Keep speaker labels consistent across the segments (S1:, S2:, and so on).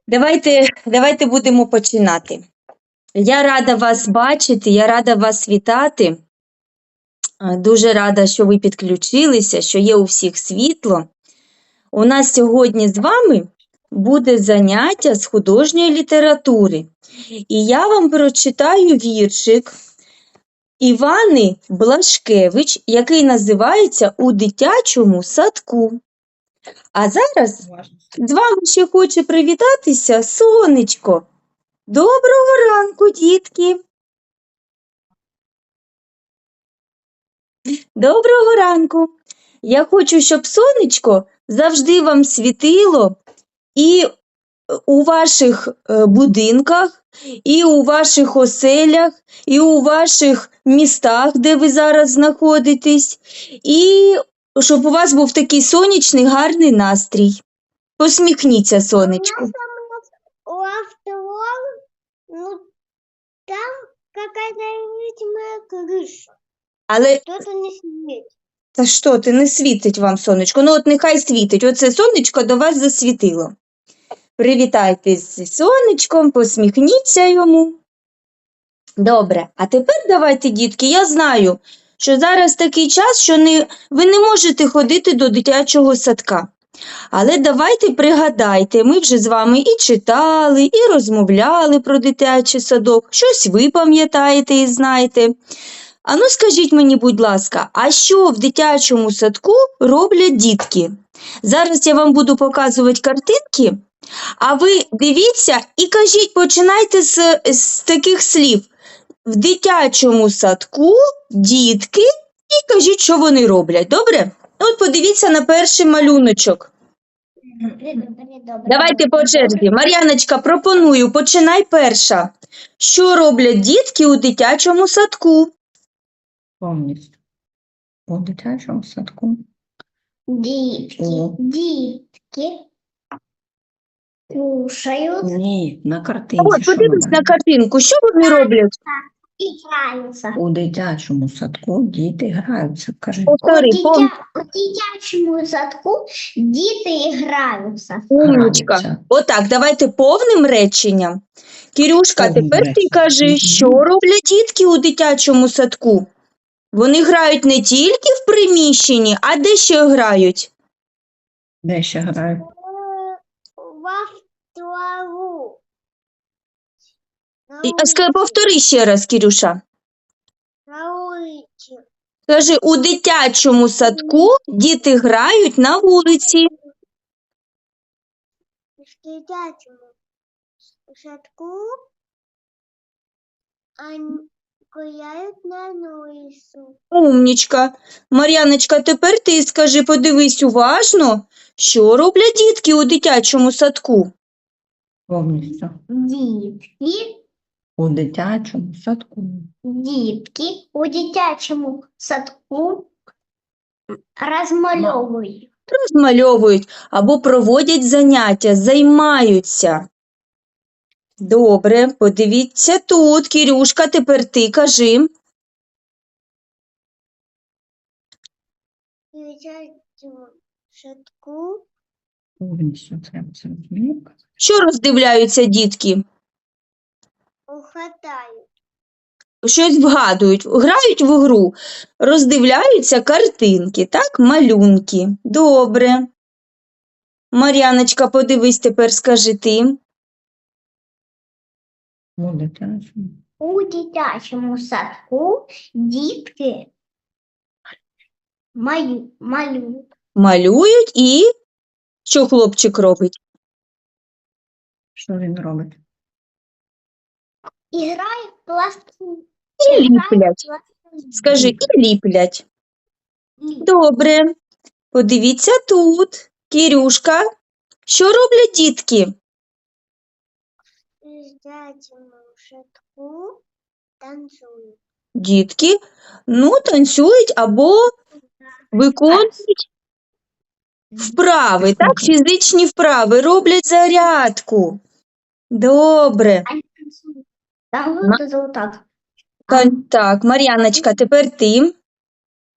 S1: Давайте будемо починати. Я рада вас бачити, я рада вас вітати. Дуже рада, що ви підключилися, що є у всіх світло. У нас сьогодні з вами буде заняття з художньої літератури. І я вам прочитаю віршик Івани Блашкевич, який називається «У дитячому садку». А зараз з вами ще хоче привітатися сонечко. Доброго ранку, дітки! Доброго ранку! Я хочу, щоб сонечко завжди вам світило і у ваших будинках, і у ваших оселях, і у ваших містах, де ви зараз знаходитесь, і щоб у вас був такий сонячний, гарний настрій. Посміхніться, сонечку.
S2: У автовоз, там какая-то невидимая крыша.
S1: Але
S2: Что-то не светит.
S1: та що ти, не світить вам сонечко? Ну от нехай світить. Оце сонечко до вас засвітило. Привітайтесь зі сонечком, посміхніться йому. Добре, а тепер давайте, дітки, я знаю, що зараз такий час, що ви не можете ходити до дитячого садка. Але давайте пригадайте, ми вже з вами і читали, і розмовляли про дитячий садок, щось ви пам'ятаєте і знаєте. Ану, скажіть мені, будь ласка, а що в дитячому садку роблять дітки? Зараз я вам буду показувати картинки, а ви дивіться і кажіть, починайте з таких слів. В дитячому садку дітки і кажіть, що вони роблять. Добре? От подивіться на перший малюночок. Давайте по черзі. Мар'яночка, пропоную, починай перша. Що роблять дітки у дитячому садку?
S3: Повністю. У дитячому садку.
S2: Дітки кушают,
S3: Ні, на картинці.
S1: От,
S3: що
S1: подивись
S3: вона?
S1: на картинку, що вони роблять?
S2: играются.
S3: У дитячому садку діти граються. Кажи.
S1: Повтори,
S2: У дитячому садку діти граються.
S1: умничка.
S3: Граються.
S1: Отак, давайте повним реченням. Кірюшка,
S3: Повним
S1: тепер ти
S3: реченням.
S1: кажи,
S3: Мгм.
S1: що роблять дітки у дитячому садку? Вони грають не тільки в приміщенні, а де ще грають?
S3: Де ще грають?
S2: В автову.
S1: Повтори ще раз, Кірюша.
S2: На улице.
S1: Кажи, у дитячому садку діти грають на вулиці.
S2: В дитячому садку они гуляют на улицу.
S1: Умнічка. Мар'яночка, тепер ти скажи, подивись уважно, що роблять дітки у дитячому садку?
S3: Повністю.
S2: Дітки
S3: У дитячому садку.
S2: у дитячому садку розмальовують.
S1: Розмальовують або проводять заняття, займаються. Добре, подивіться тут. Кірюшка, тепер ти кажи.
S2: В дитячому садку
S3: Повністю треба це розуміти.
S1: Що роздивляються дітки?
S2: ухватають.
S1: Щось вгадують, грають в гру, роздивляються картинки, так, малюнки. Добре. Мар'яночка, подивись, тепер скажи ти.
S3: У дитячому.
S2: У дитячому садку дітки малюють.
S1: Малюють і що хлопчик робить?
S3: Що він робить?
S2: І грають в пластилін.
S1: І ліплять. Скажи, і ліплять. Добре. Подивіться тут. Кірюшка, що роблять дітки?
S2: В дитячому садку танцюють.
S1: Дітки, танцюють або виконують вправи, так, фізичні вправи, роблять зарядку. Добре.
S2: Там результат.
S1: Так, Мар'яночка, тепер ти.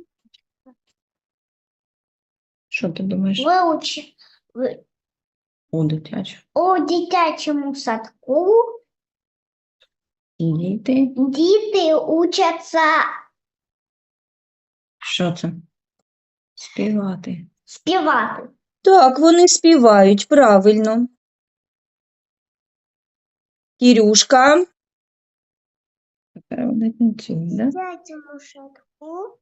S3: Що ти думаєш? У дитячому.
S2: У дитячому садку
S3: Діти.
S2: діти учаться
S3: Що це? Співати.
S2: співати.
S1: Так, вони співають, правильно. Кірюшка.
S3: Тепер вони танцюють, да?
S2: дитячому садку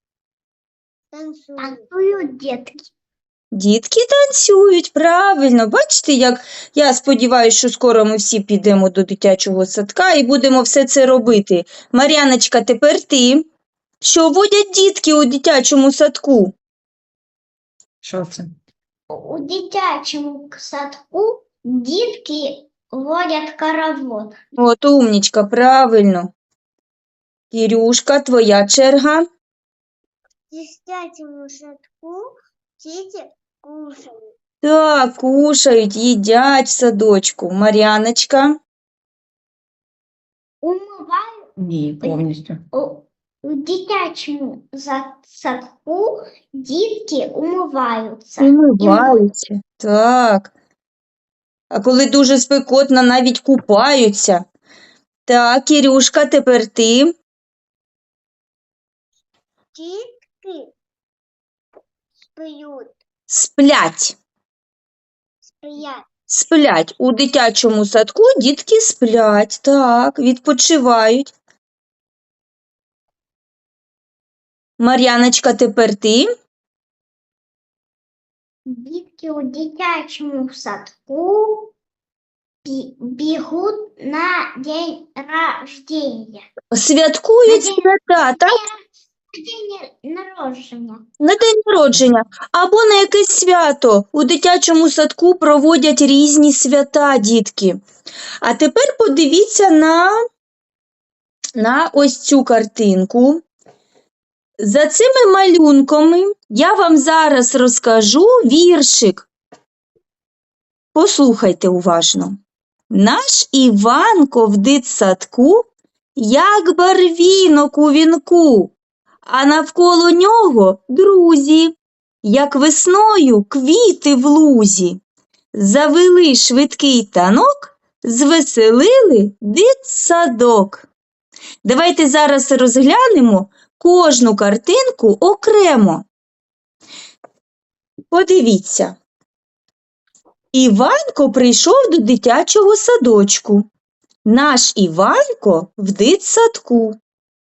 S2: танцюють дітки.
S1: Дітки танцюють, правильно. Бачите, як я сподіваюся, що скоро ми всі підемо до дитячого садка і будемо все це робити. Мар'яночка, тепер ти. Що водять дітки у дитячому садку?
S3: Що це?
S2: У дитячому садку дітки водять хоровод.
S1: От умнічка, правильно. Кірюшка, твоя черга.
S2: В дитячому садку діти кушають.
S1: Так, кушають, їдять в садочку. Мар'яночка.
S2: Умивають
S3: Ні, повністю.
S2: у дитячому садку дітки умиваються.
S1: Умиваються. Так. А коли дуже спекотно, навіть купаються. Так, Кірюшка, тепер ти.
S2: Дітки спіють.
S1: Сплять.
S2: Спіють.
S1: Сплять. У дитячому садку дітки сплять. Так, відпочивають. Мар'яночка, тепер ти.
S2: Дітки у дитячому садку бігуть на день рождения.
S1: Святкують
S2: На день-
S1: свята, так?
S2: День народження.
S1: На день народження або на якесь свято. У дитячому садку проводять різні свята, дітки. А тепер подивіться на ось цю картинку. За цими малюнками я вам зараз розкажу віршик. Послухайте уважно. Наш Іванко в дитсадку, як барвінок у вінку, а навколо нього друзі, як весною квіти в лузі. Завели швидкий танок, звеселили дитсадок. Давайте зараз розглянемо кожну картинку окремо. Подивіться. Іванко прийшов до дитячого садочку. Наш Іванко в дитсадку.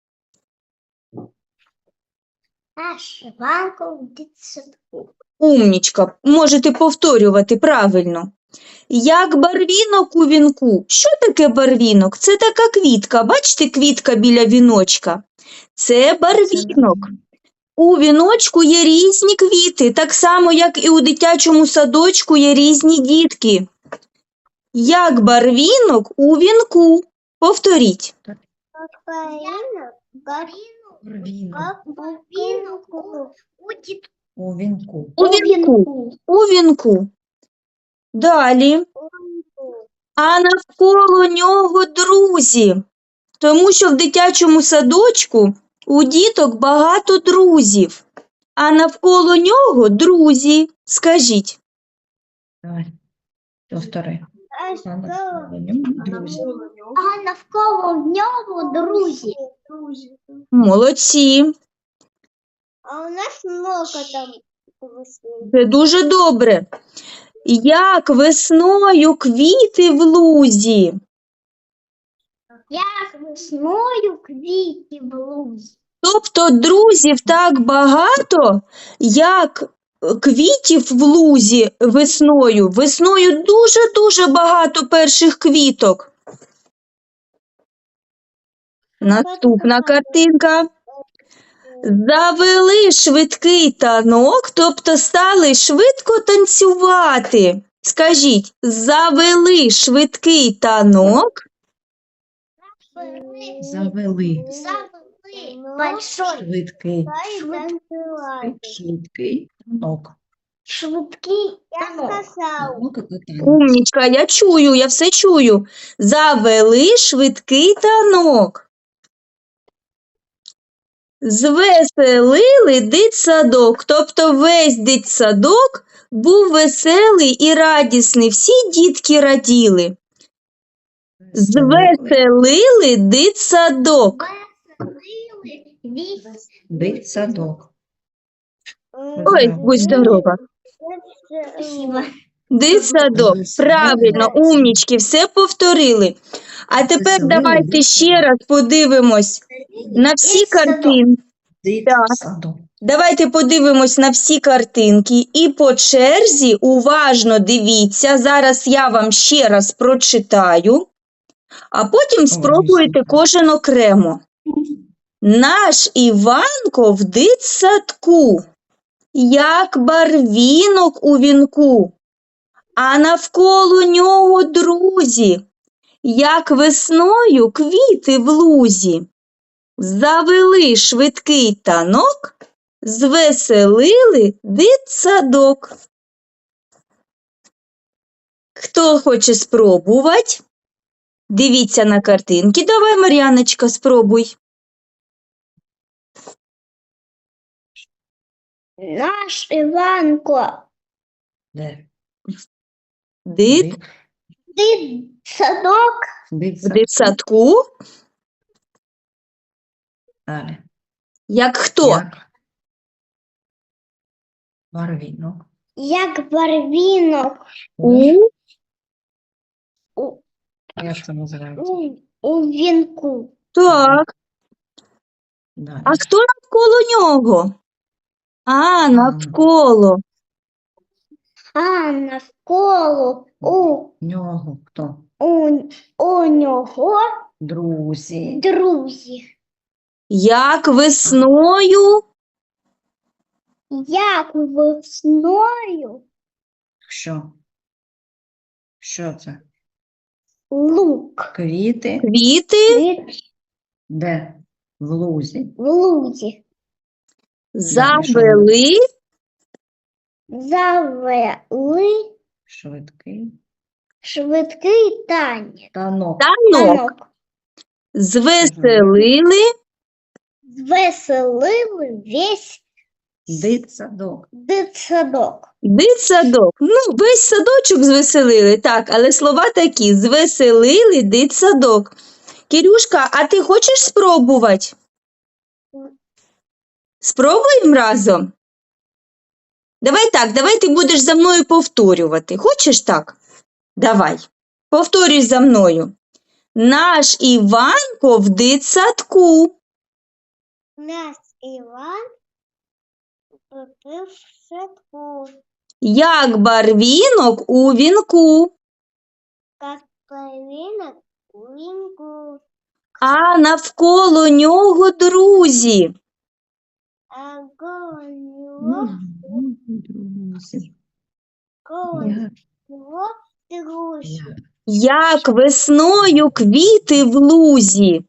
S2: Наш Іванко в дитсадку.
S1: Умнічка, можете повторювати правильно. Як барвінок у вінку. Що таке барвінок? Це така квітка. Бачите, квітка біля віночка? Це барвінок. У віночку є різні квіти, так само, як і у дитячому садочку є різні дітки. Як барвінок у вінку. Повторіть.
S3: Рвінок. У вінку.
S1: У вінку. У вінку. Далі. А навколо нього друзі. Тому що в дитячому садочку у діток багато друзів. А навколо нього друзі. Скажіть.
S3: Давай. Повтори. А навколо нього друзі.
S2: А навколо нього друзі.
S1: Молодці.
S2: А у нас много там.
S1: Це дуже добре. Як весною квіти в лузі.
S2: Як весною квіти в лузі.
S1: Тобто друзів так багато, як квітів в лузі весною. Весною дуже-дуже багато перших квіток. Наступна картинка. Завели швидкий танок, тобто стали швидко танцювати. Скажіть, завели швидкий танок.
S3: Завели.
S2: Большой.
S3: Швидкий. Швидкий танок.
S2: Швидкий танок.
S3: Танок і катання.
S1: Умнічка, я чую, я все чую. Завели швидкий танок. Звеселили дитсадок. Тобто весь дитсадок був веселий і радісний. Всі дітки раділи. Звеселили дитсадок.
S3: Дитсадок.
S1: Ой, будь здорова.
S2: Спасибо.
S1: Дитсадок. Правильно, умнічки, все повторили. А тепер
S3: Звеселили
S1: давайте ще
S3: дитсадок.
S1: раз подивимось на всі
S2: Дитсадок.
S1: картинки.
S3: Дитсадок.
S1: Давайте подивимось на всі картинки і по черзі уважно дивіться. Зараз я вам ще раз прочитаю, а потім спробуйте кожен окремо. Наш Іванко в дитсадку, як барвінок у вінку, а навколо нього друзі, як весною квіти в лузі. Завели швидкий танок, звеселили дитсадок. Хто хоче спробувати? Дивіться на картинки. Давай, Мар'яночка, спробуй.
S2: Наш Іванко.
S3: Де?
S1: Дит
S2: Дитсадок.
S1: в
S3: Дитсадок.
S1: дитсадку,
S3: Далі.
S1: як хто?
S3: Як? Барвінок.
S2: Як барвінок
S1: У
S3: Як це називається?
S2: у вінку.
S1: Так.
S3: Далі.
S1: А хто навколо нього? Навколо.
S2: А навколо
S3: Нього хто?
S2: у нього
S3: Друзі.
S2: друзі.
S1: Як весною
S2: Як весною
S3: Що? Що це?
S2: лук
S3: Квіти.
S1: квіти
S3: Де? В лузі.
S2: в лузі.
S1: завели
S2: Завели
S3: Швидкий.
S2: швидкий танець.
S3: Танок.
S1: танок, звеселили
S2: Звеселили весь
S3: Дитсадок.
S2: дитсадок.
S1: дитсадок. Ну, весь садочок звеселили, так, але слова такі: звеселили дитсадок. Кирюшка, а ти хочеш спробувати? Спробуємо разом? Давай так, давай ти будеш за мною повторювати. Хочеш так? Давай. Повторюй за мною. Наш Іванко в дитсадку.
S2: Наш Іван попив в садку,
S1: Як барвінок у вінку,
S2: як барвінок у вінку,
S1: а навколо нього друзі.
S2: а коло нього
S3: Друзі.
S2: коло
S3: Як?
S2: нього друзі.
S3: Як?
S1: Як весною квіти в лузі.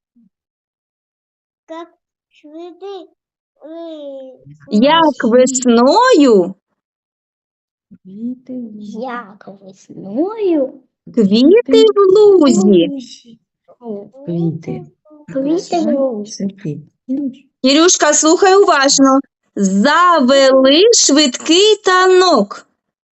S2: Як швидкий
S1: Як весною
S3: Квіти.
S2: як весною
S1: квіти в лузі.
S3: Квіти.
S2: Квіти в лузі.
S3: Цвіти.
S1: Кирюшка, слухай уважно. Завели швидкий танок.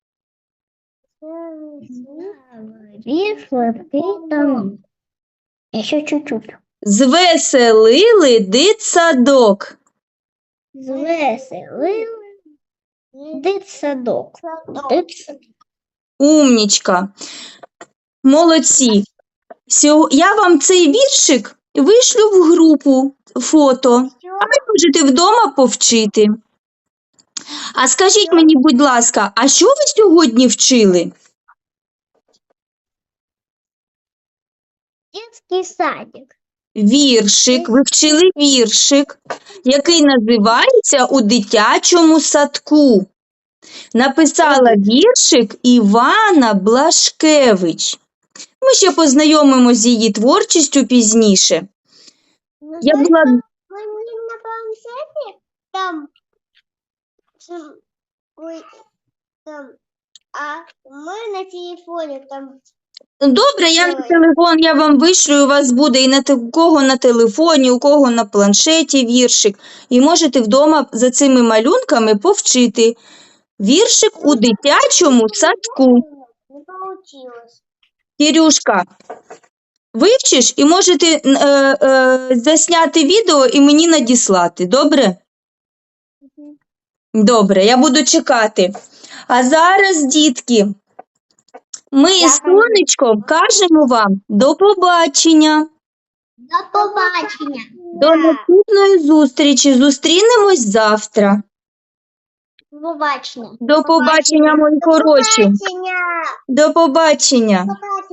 S2: Швидкий танок. Ще чуть-чуть.
S1: Звеселили дитсадок.
S2: Звеселили дитсадок.
S1: Умнічка. Молодці. Я вам цей віршик вишлю в групу фото. А ви можете вдома повчити. А скажіть мені, будь ласка, а що ви сьогодні вчили?
S2: Дитячий садик.
S1: Віршик. Ви вчили віршик, який називається «У дитячому садку». Написала віршик Івана Блашкевич. Ми ще познайомимося з її творчістю пізніше. Я була
S2: Мені на планшеті там, ой, там, а ми на телефоні там
S1: Добре, я на телефон я вам вишлю, у вас буде і у кого на телефоні, у кого на планшеті віршик. І можете вдома за цими малюнками повчити віршик у дитячому садку.
S2: Не получилось.
S1: Кирюшка, вивчиш і можете засняти відео і мені надіслати, добре? Добре, я буду чекати. А зараз, дітки, ми з сонечком кажемо вам до побачення.
S2: До побачення.
S1: До наступної зустрічі. Зустрінемось завтра.
S2: До побачення.
S1: До побачення, мої хороші.
S2: Побачення.
S1: До побачення.
S2: Побачення.